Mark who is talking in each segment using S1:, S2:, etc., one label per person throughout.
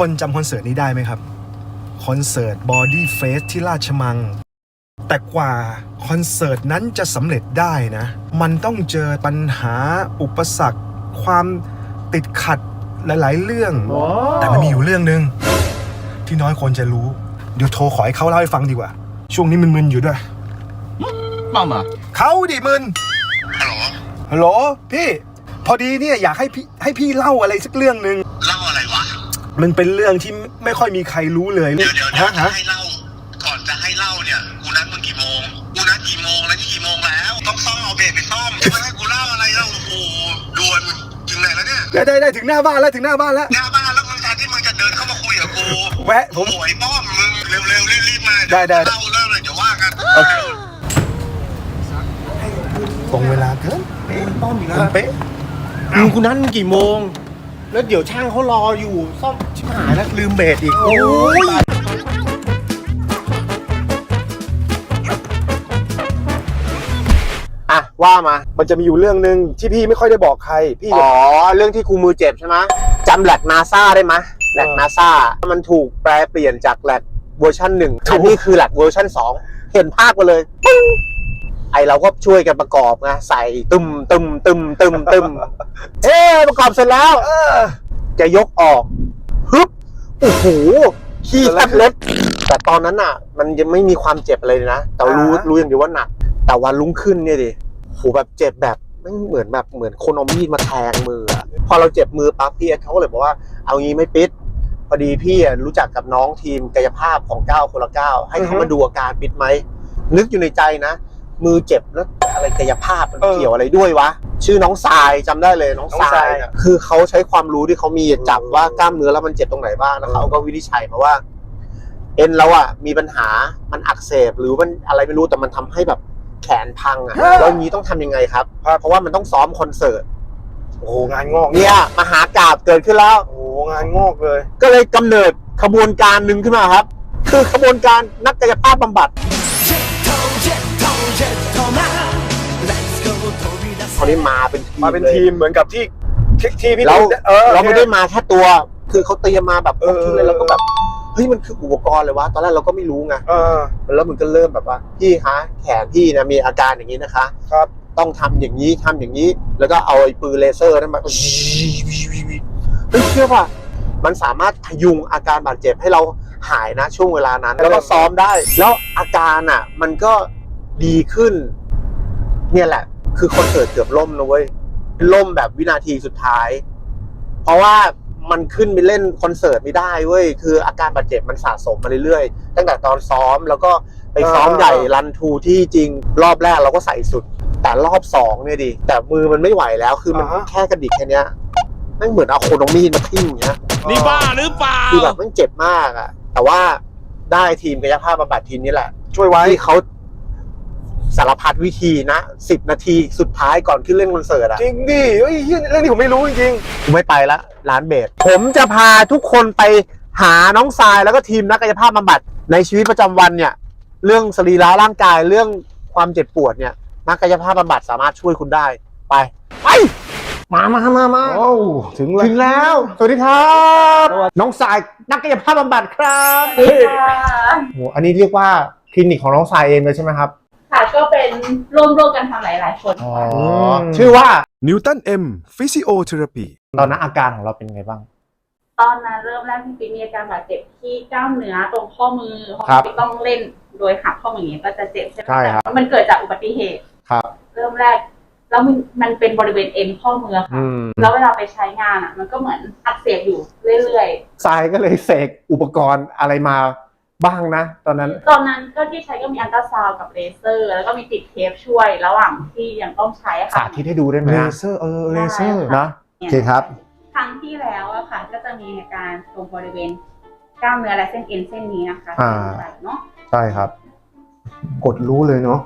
S1: คนจำคอนเสิร์ตนี้ได้ไหมครับคอนเสิร์ต Body Face ที่ราชมังแต่กว่าคอนเสิร์ตนั้นจะสำเร็จได้นะมันต้องเจอปัญหาอุปสรรคความติดขัดหลายๆเรื่องแต่มันมีอยู่เรื่องนึงที่น้อยคนจะรู้เดี๋ยวโทรขอให้เขาเล่าให้ฟังดีกว่าช่วงนี้มึนๆอยู่ด้วยมาเขาดิมึนฮัลโหลพี่พอดีเนี่ยอยากให้พี่เล่าอะไรสักเรื่องนึง
S2: เล่าอะไรวะ
S1: มันเป็นเรื่องที่ไม่ค่อยมีใครรู้เลย
S2: เดี๋ยวจะให้เล่าก่อนจะให้เล่าเนี่ยกูนัดมึงกี่โมงกูนัดกี่โมงแล้วนี่กี่โมงแล้วต้องซ่อมเอาเบรกไปซ่อมจะให้กูเล่าอะไรแล้วโอ้โหด่วนถึงไหนแล้วเนี่ย
S1: ได้ถึงหน้าบ้านแล้วหน้าบ้านแล้ว
S2: มึงแทนที่มึงจะเดินเข้ามาคุยกับกู
S1: แวะผม
S2: โอยป้อมมึงเร็วรีบมา
S1: ได้
S2: เล่าเรื่องเลยเดี๋ยวว่ากัน
S1: ตรงเวลาเกิน
S3: ป้อมอีกแล้ว
S1: เป๊ะ
S3: คุณนัดกี่โมงแล้วเดี๋ยวช่างเขารออยู่ซ่อมชิบหายแล้วลืมเบรกอีกโอ้ยอ่ะว่ามา
S1: มันจะมีอยู่เรื่องนึงที่พี่ไม่ค่อยได้บอกใครพี่
S3: เรื่องที่กูมือเจ็บใช่ไหมจำแลกนาซาได้ไหมแลกนาซามันถูกแปลเปลี่ยนจากแลกเวอร์ชัน1อันนี้คือแลกเวอร์ชัน2เห็นภาพกันเลยปึ้งไอเราก็ช่วยกันประกอบไงใส่ตึมประกอบเสร็จแล้วจะยกออกฮึบโอ้โหขี้แทบเล็ดแต่ตอนนั้นอ่ะมันยังไม่มีความเจ็บอะไรเลยนะแต่รู้อย่างเดียวว่าหนักแต่วันรุ่งขึ้นเนี่ยดิโหแบบเจ็บแบบไม่เหมือนคนเอามีดมาแทงมือพอเราเจ็บมือปั๊บพี่เขาก็เลยบอกว่าเอางี้ไม่ปิดพอดีพี่รู้จักกับน้องทีมกายภาพของ9 คนละ 9ให้เขามาดูอาการปิดไหมนึกอยู่ในใจนะมือเจ็บแล้วอะไรกายภาพมันเกี่ยวอะไรด้วยวะชื่อน้องทรายจำได้เลยน้องทรายคือเขาใช้ความรู้ที่เขามีจับว่ากล้ามเนื้อแล้วมันเจ็บตรงไหนบ้างแล้วเขาก็วินิจฉัยมาว่าเอ็นเราอ่ะมีปัญหามันอักเสบหรือมันอะไรไม่รู้แต่มันทำให้แบบแขนพังอ่ะแล้วอย่างนี้ต้องทำยังไงครับเพราะว่ามันต้องซ้อมคอนเสิร์ต
S1: โอ้งานงอก
S3: เนี่ยมหากาพย์เกิดขึ้นแล้ว
S1: โอ้งานงอกเลย
S3: ก็เลยกำเนิดขบวนการหนึ่งขึ้นมาครับคือขบวนการนักกายภาพบำบัดเขาได้มาเป็น
S1: ทีมเหมือนกับที่พี่
S3: เราไม่ได้มาแค่ตัวคือเขาเตรียมมาแบบชุดเลยแล้วก็แบบเฮ้ยมันคืออุปกรณ์เลยวะตอนแรกเราก็ไม่รู้ไงแล้วมันก็เริ่มแบบว่าพี่คะแขนพี่นะมีอาการอย่างนี้นะคะ
S1: ครับ
S3: ต้องทำอย่างนี้แล้วก็เอาไอ้ปืนเลเซอร์นั้นมาเชื่อว่ามันสามารถพยุงอาการบาดเจ็บให้เราหายนะช่วงเวลานั้นแล้วก็ซ้อมได้แล้วอาการอ่ะมันก็ดีขึ้นเนี่ยแหละคือคอนเสิร์ตเกือบล่มนะเว้ยล่มแบบวินาทีสุดท้ายเพราะว่ามันขึ้นไปเล่นคอนเสิร์ตไม่ได้เว้ยคืออาการบาดเจ็บมันสะสมมาเรื่อยๆตั้งแต่ตอนซ้อมแล้วก็ไปซ้อมใหญ่รันทูที่จริงรอบแรกเราก็ใส่สุดแต่รอบ2เนี่ยดิแต่มือมันไม่ไหวแล้วคือมันแค่กระดิกแค่นี้ไม่เหมือนเอาโคนมีดมาทิ่มอย่างเงี้ย
S4: นี่บ้าหรือเปล่า
S3: คือแบบมันเจ็บมากอ่ะแต่ว่าได้ทีมกายภาพบำบัดทีมนี้แหละ
S1: ช่วยไว้
S3: ที่เขาสารพัดวิธีนะ10 นาทีสุดท้ายก่อนขึ้นเล่นคอนเสิร์ตอะ
S1: จริงดิเฮ้ยเรื่องนี้ผมไม่รู้จริง
S3: ๆผมไม่ไปละร้านเบสผมจะพาทุกคนไปหาน้องทรายแล้วก็ทีมนักกายภาพบำบัดในชีวิตประจำวันเนี่ยเรื่องสรีระร่างกายเรื่องความเจ็บปวดเนี่ยนักกายภาพบำบัดสามารถช่วยคุณได้ไปมา
S1: โอ้ถึง
S3: แล้วสวัสดีครับน้องทรายนักกายภาพบำบัดครับโอ้อันนี้เรียกว่าคลินิกของน้องทรายเองเลยใช่ไหมครับ
S5: ค่ะก็เป็นร่วมกันทำหลายๆคน
S3: ชื่อว่า
S1: Newton M Physiotherapy
S3: ตอนนั้นอาการของเราเป็นไงบ้าง
S5: ตอนนั้นเริ่มแรกที่มีอาการบาดเจ็บที่กล้ามเนื้อตรงข้อมือที่ต้องเล่นโดยหักข้อมืออย่างนี้ก็จะเจ็บใช่ไหมครับมันเกิดจากอุบัติเหตุ
S3: ครับ
S5: เริ่มแรกแล้วมันเป็นบริเวณเอ็นข้อมือค่ะแล้วเวลาไปใช้งานอ่ะมันก็เหมือนอักเสบอยู่เรื่อย
S3: ๆทรายก็เลยเสกอุปกรณ์อะไรมาบ้างนะตอนนั้น
S5: ก็ที่ใช้ก็มีอัลตราซาวด์กับเลเซอร์แล้วก็มีติดเทปช่วยระหว่างที่ยังต้องใช้ค่ะ
S3: สาธิตให้ดูได้ไหม
S1: เลเซอร์เลเซอร์
S3: นะโอเคครับ
S5: ครั้งที่แล้วอะค่ะก็จะมีอาการตรงบริเวณกล้ามเนื้อและเส้นเอ็นเส้นนี้นะคะเนาะ
S3: ใช่ครับ
S1: กดรู้เลยเนาะ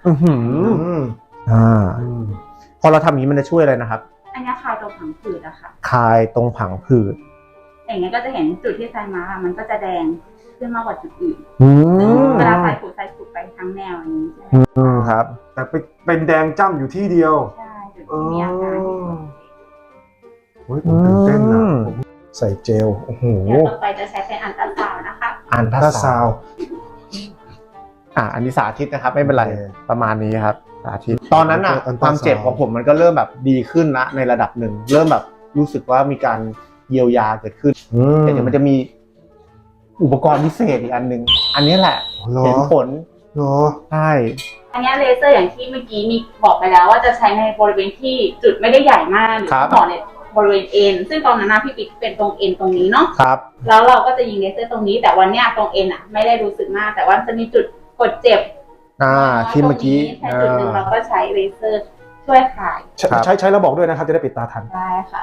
S1: พอเราทำอย่างนี้มันจะช่วยอะไรนะครับ
S5: อันนี้คลายตรงผังผืดอะค่ะ
S3: คลายตรงผังผืด
S5: อย่างเงี้ยก็จะเห็นจุดที่ใส่มามันก็จะแดงขึ้นมากกว่าจุดอื่นเวลาใส่ผูกไปทั้งแนวอย่างนี้ใช่ไหม
S3: ครับ
S1: แต่เป็นแดงจ้ำอยู่ที่เดียว
S5: ใช่จุดที่มีอาการ
S1: โอ้ยผมตื่นเต้นนะใส่เจลโอ้โห
S5: เดี๋ยวต่อไปจะใช้เป็นอันตราซาวน์นะคะ
S3: อัน
S1: ถ้า
S3: ตรา
S1: ซา
S3: ซาว
S1: ว
S3: ด์อันนี้สาธิตนะครับไม่เป็นไร
S1: โอเค
S3: ประมาณนี้ครับสาธิตตอนนั้นอะความเจ็บของผมมันก็เริ่มแบบดีขึ้นละในระดับหนึ่งเริ่มแบบรู้สึกว่ามีการเยียวยาเกิดขึ้นแต่เดี๋ยวมันจะมีอุปกรณ์พิเศษอีกอันหนึ่งอันนี้แหละ
S1: เหรอ
S3: เห็นผล
S1: เหรอ
S3: ใช่
S5: อันนี้เลเซอร์อย่างที่เมื่อกี้มีบอกไปแล้วว่าจะใช้ในบริเวณที่จุดไม่ได้ใหญ่มากหรือหมอในบริเวณเอ็นซึ่งตอนนั้นพี่ปิ๊กเป็นตรงเอ็นตรงนี้เนาะ
S3: ครับ
S5: แล้วเราก็จะยิงเลเซอร์ตรงนี้แต่วันเนี้ยตรงเอ็นไม่ได้รู้สึกมาก แต่ว่าจะมีจุดกดเจ็บ
S3: ที่เมื่อกี้
S5: แค่จุดหนึ่งเราก็ใช้เลเซอร์ช่วยคลาย
S1: ใช้แล้วบอกด้วยนะครับจะได้ปิดตาทัน
S5: ได้ค่ะ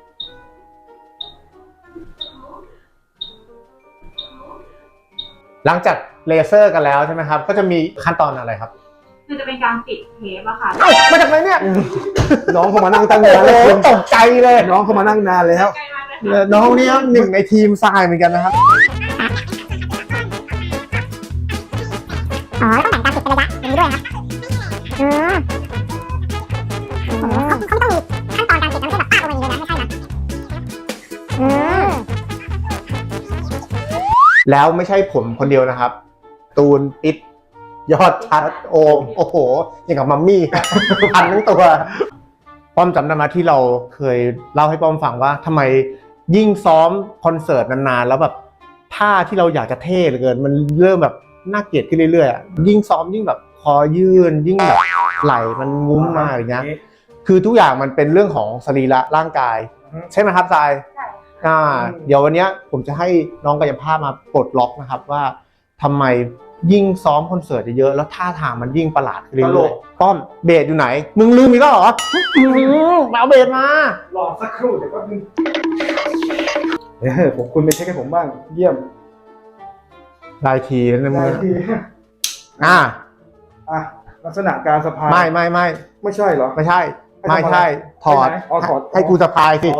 S3: หลังจากเลเซอร์กันแล้วใช่ไหมครับก็จะมีขั้นตอนอะไรครับ
S5: คือจะเป็นการปิดเทปอะค่ะ
S3: มาจากไหนเนี่ย
S1: น้องเขามานั่งตั้งนาน
S3: โอ้
S1: แล้ว
S3: โห
S1: คุณ
S3: ตกใจเลย
S1: น้องเขามานั่งนานแล้ว
S5: ใกล้มากเลยค่ะ
S3: น้องนี่ครับหนึ่งในทีมทรายเหมือนกันนะครับ
S4: อ๋อต้องแบ่งการติดเป็นระยะอย่างนี้ด้วยครับเขาต้องมีขั้นตอนการติดนะไม่ใช่แบบป้าลงมาอย่างนี้เลยนะไม่ใช่นะ
S3: แล้วไม่ใช่ผมคนเดียวนะครับ ตูนปิดยอดชัดโอมโอ้โหอย่างกับมัมมี่ พันทั้งตัวป้อมจำได้ไหมที่เราเคยเล่าให้ป้อมฟังว่าทำไมยิ่งซ้อมคอนเสิร์ตนานๆแล้วแบบท่าที่เราอยากจะเท่เหลือเกินมันเริ่มแบบน่าเกลียดขึ้นเรื่อยๆยิ่งซ้อมยิ่งแบบคอยื่นยิ่งแบบไหล่มันงุ้มมากอย่างเงี้ยคือทุกอย่างมันเป็นเรื่องของสรีระร่างกายใช่ไหมครับทราย
S5: ใช่
S3: เดี๋ยววันนี้ผมจะให้น้องกายภาพมาปลดล็อกนะครับว่าทำไมยิ่งซ้อมคอนเสิร์ตเยอะๆแล้วท่าทางมันยิ่งประหลาดขึ้นเรื่อยๆป้อมเบสอยู่ไหนมึงลืมอีกแล้วเหรอมาเอาเบสมาร
S1: อสักครู่เดี๋ยวก็นึงผมคุณไปเช็คให้ผมบ้างเยี่ยม
S3: ได้ทีนะมึง
S1: ได้ที่
S3: อ่ะ
S1: ลักษณะการสะพาย
S3: ไม่
S1: ไม่ใช่เหรอ
S3: ไม่ใช่ไม่ใช่ถอด
S1: ไปไหนอ๋อถอด
S3: ให้กูสะพายสิ
S1: อ๋อ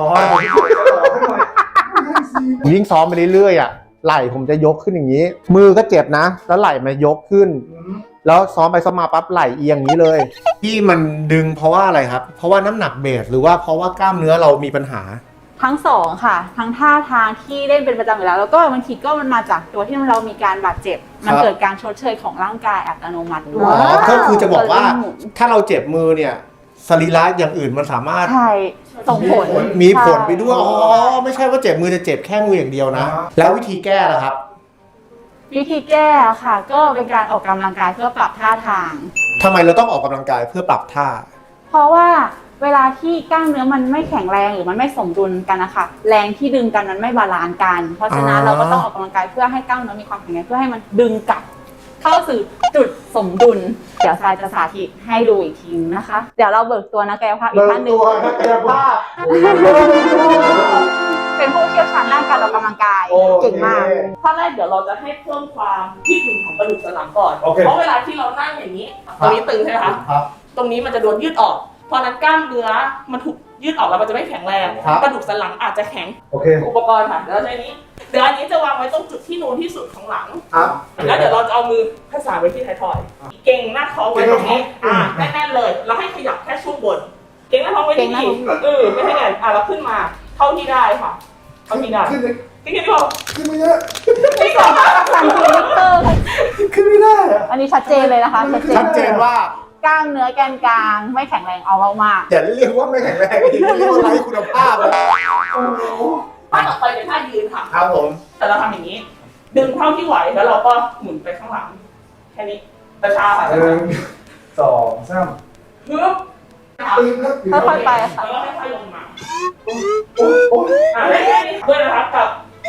S3: ยิ่งซ้อมไปเรื่อยๆอ่ะไหล่ผมจะยกขึ้นอย่างนี้ มือก็เจ็บนะ แล้วไหล่มันยกขึ้น แล้วซ้อมไปซ้อมมาปั๊บไหล่เอียงอย่างนี้เลยที่มันดึงเพราะว่าอะไรครับ เพราะว่าน้ำหนักเบสหรือว่าเพราะว่ากล้ามเนื้อเรามีปัญหา
S5: ทั้งสองค่ะ ทั้งท่าทางที่เล่นเป็นประจำอยู่แล้วแล้วก็บางทีก็มันมาจากตัวที่เรามีการบาดเจ็บ มันเกิดการชดเชยของร่างกายอัตโนมัติด้ว
S3: อ๋
S5: ย
S3: อก็คือจะบอกว่าถ้าเราเจ็บมือเนี่ยสรีระอย่างอื่นมันสามารถ
S5: ใช่ส่งผล
S3: มีผลไปด้วยอ๋อไม่ใช่ว่าเจ็บมือจะเจ็บแค่มืออย่างเดียวนะ แล้ววิธีแก้ล่ะครับ
S5: วิธีแก้ค่ะ ก็เป็นการออกกำลังกายเพื่อปรับท่าทาง
S3: ทำไมเราต้องออกกำลังกายเพื่อปรับท่า
S5: เพราะว่าเวลาที่กล้ามเนื้อมันไม่แข็งแรงหรือมันไม่สมดุลกันนะคะแรงที่ดึงกันมันไม่บาลานซ์กัน เพราะฉะนั้นเราก็ต้องออกกำลังกายเพื่อให้กล้ามเนื้อมีความแข็งแรงเพื่อให้มันดึงกลับเข้าสู่จุดสมดุลเดี๋ยวทรายจะสาธิตให้ดูอีกทีนะคะ เดี๋ยวเราเบิกตัวนักกายภาพอีกท่านหนึ่งเป็นผู้เชี่ยวชาญด้านการออกกำลังกายเก่งมาก
S6: ข้อแรกเดี๋ยวเราจะให้เพิ่มความยืดหยุ่นของกระดูกสันหลังก่อน
S1: โอเค
S6: เพราะเวลาที่เรานั่งอย่างนี้ ตรงนี้ตึงใช่ไหมคะ
S3: ครับ
S6: ตรงนี้มันจะโดนยืดออก เพราะฉะนั้นกล้ามเนื้อมันถูกยืดออกแล้วมันจะไม่แข็งแรง
S3: ครับ
S6: กระดูกสันหลังอาจจะแข็ง
S1: โอเค
S6: อุปกรณ์ค่ะเดี๋ยวเราใช้นี้ เดี๋ยวอันนี้จะวางไว้ตรงจุดที่นูนที่สุดของหลัง
S3: ครับ
S6: แล้วเดี๋ยวเราจะเอามือผสานไว้ที่ท้ายทอย เก่งหน้าท้องไว้ตรงนี้แน่นๆเลย เราให้ขยับแค่ช่วงบน เก่งหน้าท้องไว้ที่นี่ไม่ให้แน่นเราขึ้นมาเท่าที่ได้ค่ะ เท่าที่ได้ขึ้นที่พอ
S1: ขึ้นไม่เยอะ
S5: ที่สองสั่นคลิปเตอร์
S1: ขึ้นไม่ได้อะ
S5: อันนี้ชัดเจนเลยนะคะ
S3: ชัดเจนว่าก
S5: ล้ามเนื้อแกนกลางไม่แข็งแรงเอามาก
S3: อย่าเรียกว่าไม่แข็งแรงเรียกว่าไร้คุณภาพเลย
S6: ท่าต่อไปเป็นท่ายืนค่ะ
S3: ครับผม
S6: แต่เราทำอย่างนี้ ดึงเท่าที่ไหวแล้วเราก็หมุนไปข้างหลัง แค่นี้ช้าๆค่ะ
S1: 1 2 3
S6: ฮึบ
S5: ๆค่อยๆไปค่ะ
S6: แล้วก็ค่อยๆลงมาได้ด้วยนะครับกับ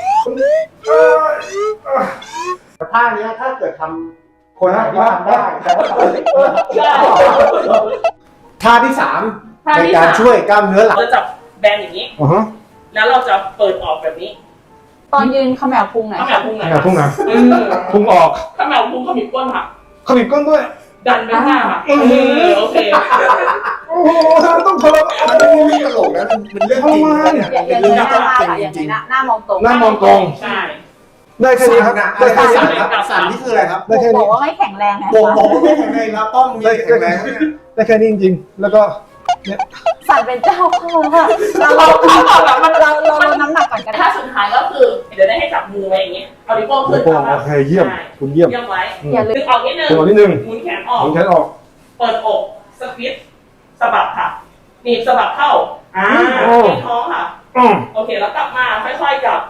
S3: ท่านี้ถ้าเกิดทำคนไหนที่ทำได้แต่ว่าท่าที่สามในการช่วยกล้ามเนื้อหลัง
S6: เราจับแบนอย่างนี้ แล้วเราจะเปิดออกแบบนี้
S5: ตอนยืนเขมวพุงหน่อย
S6: ข้าวแมวพุงไหน
S1: พุ่งนะพุ่งออก
S6: ข้าวแมวพุงเขามีก้นค่ะ
S1: ขมิบก้นด้วย
S6: ดันไปข้างหน้าค่ะโอเค
S1: โอ้โหทำไมต้องทรมาน
S3: มันไม่ใช่ตลกนะมันเป็นเรื่องจริงนะเนี่ย
S5: อย่า
S3: เป็น
S5: เง
S3: เรื่อย ง
S5: หน้า
S3: จ
S5: ค่ะ
S3: ริ
S5: อย่าง
S3: จริ
S5: นี้
S3: ง
S5: นะหน้ามองตรง
S1: หน้ามองตรง
S6: ใช่
S1: ได้แค่นี้ครับ ได้แค่นี้
S3: สั่นครับสั่นนี่คืออะไรครับ
S1: ได้แค่
S5: บอ
S1: นี้
S5: กว่าไม่แข็งแรงนะ
S3: บอก
S5: คะ
S3: บอกว่าไม่แข็งแรงแล้วต้องมีแข็งแรงเนี่ย
S1: ได้แค่นี้จริงๆ แล้วก็
S5: สั่นเป็นเจ้าเข้าค่ะเราน้ำหนักก่อนกัน
S6: ถ้าสุดท้ายก็คือเดี๋ยวได้ให้จับมือไว้อย่างเงี้ยเอานิ้วโป้งขึ้น
S1: โอเคเยี่ยมคุณเยี่ยม
S6: เยี่ยมไว้
S5: อย่าลืม
S6: ดึงออกนิดนึง
S1: ตัวนิดนึง
S6: หมุนแขนออก
S1: ผมแขนออก
S6: เปิดอกสควิตสะบัดค่ะหนีบสะบัดเข้าเก็บท้องค่ะโอเคแล้วกลับมาค่อยๆจับ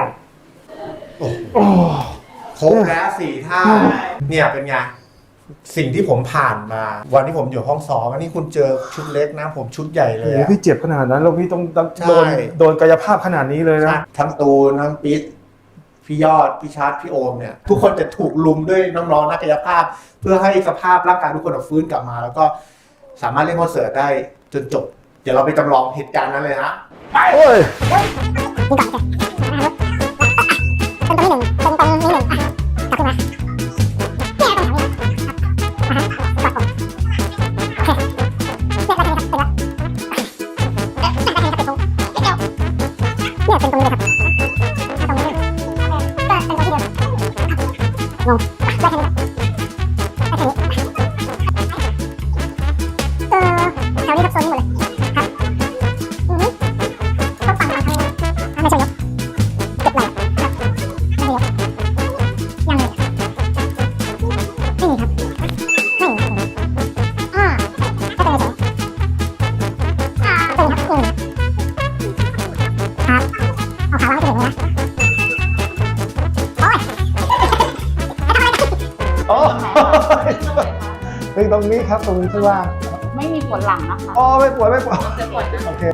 S3: ครบแล้ว4 ท่าเนี่ยเป็นไงสิ่งที่ผมผ่านมา วันที่ผมอยู่ห้องซ้อมอันนี้คุณเจอชุดเล็กนะผมชุดใหญ่เลย
S1: โอ้
S3: อะ
S1: พี่เจ็บขนาดนั้นแล้วพี่ต้อง
S3: ใช่
S1: โดนกายภาพขนาดนี้เลยนะ
S3: ทั้งตูนทั้งปิ๊ดพี่ยอดพี่ชาร์ตพี่โอมเนี่ยทุกคนจะถูกลุมด้วยน้องๆนักกายภาพ เพื่อให้สภาพร่างกายทุกคนฟื้นกลับมา แล้วก็สามารถเล่นคอนเสิร์ตได้จนจบ เดี๋ยวเราไปจำลองเหตุการณ์นั้นเลยฮะ
S1: โอ้ย
S4: นี่ก่อนโอเคเป็นตัวที่1เป็นตรงนี้1อ่ะกลับขึ้นมาเนี่ยตรงนี้อ่ะฮะกดโอเคเนี่ยก็จะเป็นตรงเนี่ยเป็นตรงนี้เลยครับตรงนี้เลยก็เป็นตัวที่เดิมงงได้แค่นี้ได้แค่นี้แถวนี้ครับโซนนี้หมดเลยครับต้องฟังทางนี้ไม่ใช่ยกเก็บไหล่ครับไม่ใช่ยกยังเลยไม่มีครับไม่มีก็เป็นเฉยเป็นครับครับเอาขาล้างไปถึงนะโอ้ย
S1: โอ้ยตรงนี้ครับตรงนี้ข้างล่าง
S5: ไม่มีปวดหลังนะคะ
S1: อ๋อไม่ปวดไม่ปวด
S5: จะปวดนะ
S1: โอเค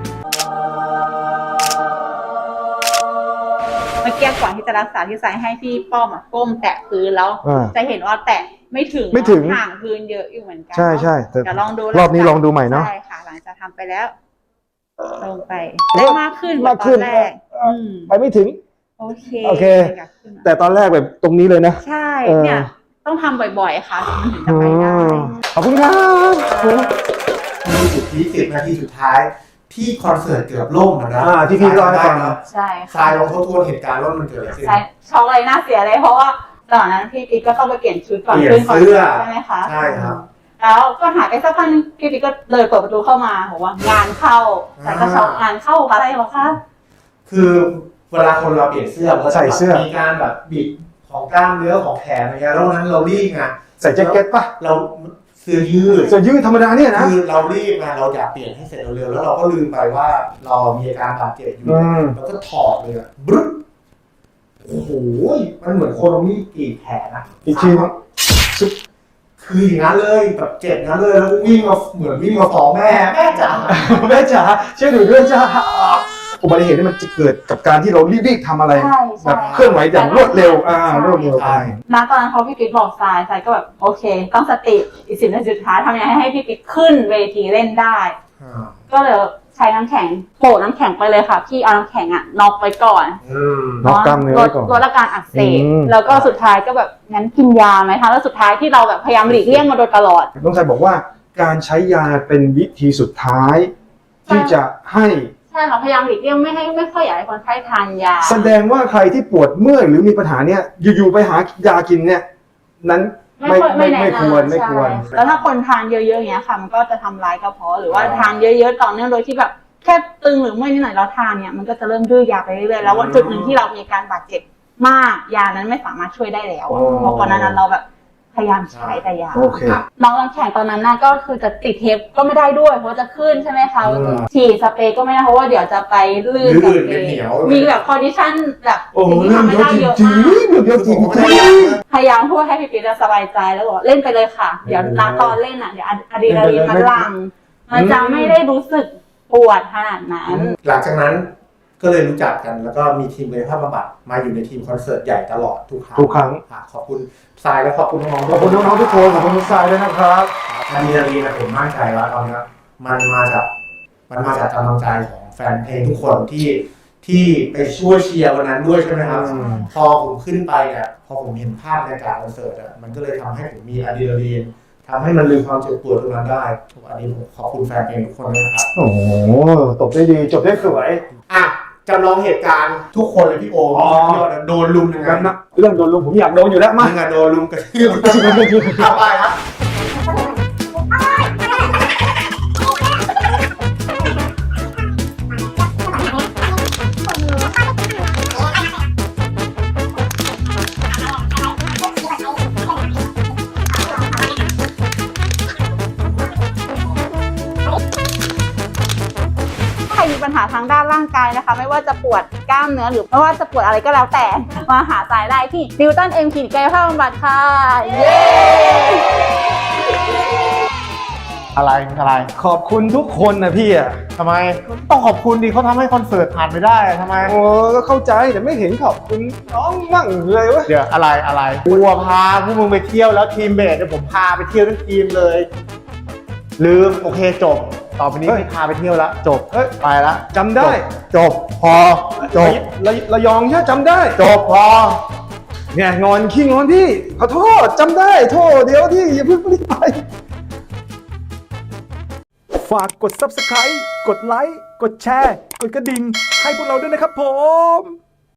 S5: เมื่อกี้ก่อนที่จะรักษาที่ใส่ให้พี่ป้อมก้มแตะพื้นแล้วจะเห็นว่าแตะไม่ถึงห่างพื้นเยอะอยู่เหมือนกัน
S1: ใช่ใช่แต่
S5: เดี๋ยวลองดู
S1: รอบนี้ลองดูใหม่เนาะ
S5: ใช่ค่ะหลังจากทำไปแล้วลงไปได้มากขึ้นกว่าตอนแรก
S1: ไปไม่ถึง
S5: โอเค
S1: โอเค
S5: อยากขึ้นมา
S1: แต่ตอนแรกแบบตรงนี้เลยนะ
S5: ใช่เนี่ยต้องทำบ่อยๆค่ะมันถึงจะไปได้
S1: ขอบคุณครับ
S3: มีจุดที่10 นาทีสุดท้ายที่คอนเสิร์ตเกือบล่มนะ
S1: ที่พี่เล่าให้ฟัง
S5: ใช่
S3: ทรายลองทบทวนเหตุการณ์ว่ามันเกิดอะไรขึ้น
S5: ใช่ช็อกเลยน่าเสียเลยเพราะว่าตอนนั้นพี่ปิ๊กก็ต้องไปเปลี่ยนชุดก่อน
S3: เปลี่ยน
S5: ขึ้นคอนเสิร์ต
S3: เสื้อ
S5: ใช่ไหมคะ
S3: ใช่ครับ
S5: แล้วก็หายไปสักพักนึงพี่ปิ๊กก็เลยเปิดประตูเข้ามาบอกว่างานเข้าแต่ก็ช็อกงานเข้าอะไรหรอคะ
S3: คือเวลาคนเราเปลี่ยนเสื้อมันก็จะ
S1: ใส่เสื้อ
S3: มีการแบบบิดของกล้ามเนื้อของแขนอะไรเงี้ยแล้ววันนั้นเรารีบไง
S1: ใส่แจ็คเก็ตป่ะ
S3: เราเสื้อยืด
S1: เสื้อยืดธรรมดาเนี่ยนะ
S3: คือเรารีบไงเราอยากเปลี่ยนให้เสร็จเร็วๆแล้วเราก็ลืมไปว่าเรามีอาการบาดเจ็บอยู่ แล้วก็ถอดเลยอะบรึ๊บโอ้โหมันเหมือนคนเอามีดกรีดแขนอะ
S1: อีกทีนึง
S3: คืออย่างนั้นเลยแบบเจ็บอย่างนั้นเลยแล้ววิ่งมาเหมือนวิ่งมาฟ้องแม่จ๋า
S1: แม่จ๋าช่วยหนูด้วยจ้าอุบัติเหตุนี่มันจะเกิดกับการที่เรารีบๆทำอะไร
S5: ใช่
S1: แบ
S5: ใช่
S1: บเคลื่อนไหวอย่างรวดเร็วรวดเร็วไป
S5: ณตอนนั้นพอพี่ปิ๊กบอกทรายก็แบบโอเค ต้องสติอีก10 นาทีสุดท้ายทำยังไงให้พี่ปิ๊กขึ้นเวทีเล่นได้ ก็เลยใช้น้ำแข็งโปะน้ำแข็งไปเลยค่ะพี่เอาน้ำแข็งน็อกไว้ก่อน
S1: น็อกกล้ามเนื้อไว้ก่อน
S5: ลดอาการอักเสบ
S1: อืม
S5: แล้วก็สุดท้ายก็แบบงั้นกินยาไหมคะแล้วสุดท้ายที่เราแบบพยายามหลีกเลี่ยงมาโดยตลอด
S1: น้องชายบอกว่าการใช้ยาเป็นวิธีสุดท้าย ที่จะให้
S5: ใช่ค่ะพยายามหลีกเลี่ยงไม่ค่อยอยากให้คนไข้ทานยา
S1: แสดงว่าใครที่ปวดเมื่อยหรือมีปัญหาเนี่ยอยู่ๆไปหายากินเนี่ยนั้นไม่ควร
S5: ใช่แล้วถ้าคนทานเยอะๆอย่างเงี้ยค่ะ มันก็จะทำร้ายกระเพาะหรือว่าทานเยอะๆต่อเนื่องโดยที่แบบแค่ตึงหรือเมื่อยนิดหน่อยเราทานเนี่ยมันก็จะเริ่มดื้อยาไปเรื่อยๆแล้ววันจุดหนึ่งที่เรามีการบาดเจ็บมากยานั้นไม่สามารถช่วยได้แล้วเพราะก่อนหน้านั้นเราแบบพยายามใช้แต่ยา
S1: โอเค
S5: น้องรังแข่งตอนนั้นน่ะก็คือจะติดเทปก็ไม่ได้ด้วยเพราะจะขึ้นใช่ไหมคะฉีดสเปรย์ก็ไม่ได้เพราะว่าเดี๋ยวจะไปลื่นกับเปรย์มีแบบคอนดิชั่นแบบ
S1: โอ้
S5: สิ่งที่
S1: เรื่อง
S5: ทำไม่
S1: เยอะ
S5: ได้
S1: จ
S5: เยอะ
S1: ริง
S5: มาก
S1: ๆเรื่องเยอะจริง
S5: พยายามพูดให้พี่ปิ๊กสบายใจแล้วบอกเล่นไปเลยค่ะ เดี๋ยวตอนเล่นเดี๋ยวอะดรีนาลีนมันหลั่งมันจะไม่ได้รู้สึกปวดขนาดนั้น
S3: หลังจากนั้นก็เลยรู้จักกันแล้วก็มีทีมกายภาพบำบัดมาอยู่ในทีมคอนเสิร์ตใหญ่ตลอดทุกครั้งขอบคุณทรายและขอบคุณน้องๆ
S1: ขอบคุณน้องๆทุกคนขอบคุณทุกสายด้วยนะครับ
S3: อะดรีนาลีนผมมั่นใจว่าตอนนี้มันมาจากกำลังใจของแฟนเพลงทุกคนที่ไปช่วยเชียร์วันนั้นด้วยใช่ไหมครับพอผมขึ้นไปเนี่ยพอผมเห็นภาพในการคอนเสิร์ตมันก็เลยทำให้ผมมีอะดรีนาลีนทำให้มันลืมความเจ็บปวดตรงนั้นได้อันนี้ผมขอบคุณแฟนเพลงทุกคนด้วยนะครับ
S1: โอ้โหตบได้ดีจบได้สวย
S3: อ่ะจำลองเหตุการณ์ทุกคนเลยพี่โอมโดนลุมยังไง
S1: กันนะเรื่องโดนลุมผมอยากโดนอยู่แล้วมา
S3: มึงอะโดนลุมกระทืบทำไปครับ
S5: ปัญหาทางด้านร่างกายนะคะ ไม่ว่าจะปวดกล้ามเนื้อหรือไม่ว่าจะปวดอะไรก็แล้วแต่มาหาสายได้ที่นิวตันเอ็มคลินิกกายภาพบำบัดค่ะเย้
S3: อะไร
S1: ขอบคุณทุกคนนะพี่อ่ะ
S3: ทำไมต้องขอบคุณดิเขาทำให้คอนเสิร์ตผ่านไปได้ทำไม
S1: โอ้ก็เข้าใจแต่ไม่เห็นขอบคุณน้องมั่งเลยวะ
S3: เดี๋ยวอะไรกูพาพวกมึงไปเที่ยวแล้วทีมเบสเดี๋ยวผมพาไปเที่ยวทั้งทีมเลย ลืมโอเคจบ ต่อไปนี้ไม่พาไปเที่ยวแล้วจบ
S1: เฮ้ย
S3: ไปละ
S1: จำได้
S3: จบพอจบ
S1: ระยองใช่จำได้
S3: จบพอ
S1: เนี่ยงอนขี้งอนพี่ขอโทษจำได้โทษเดี๋ยวที่อย่าเพิ่งรีบไป ฝากกด Subscribe กดไลค์กดแชร์กดกระดิ่งให้พวกเราด้วยนะครับผม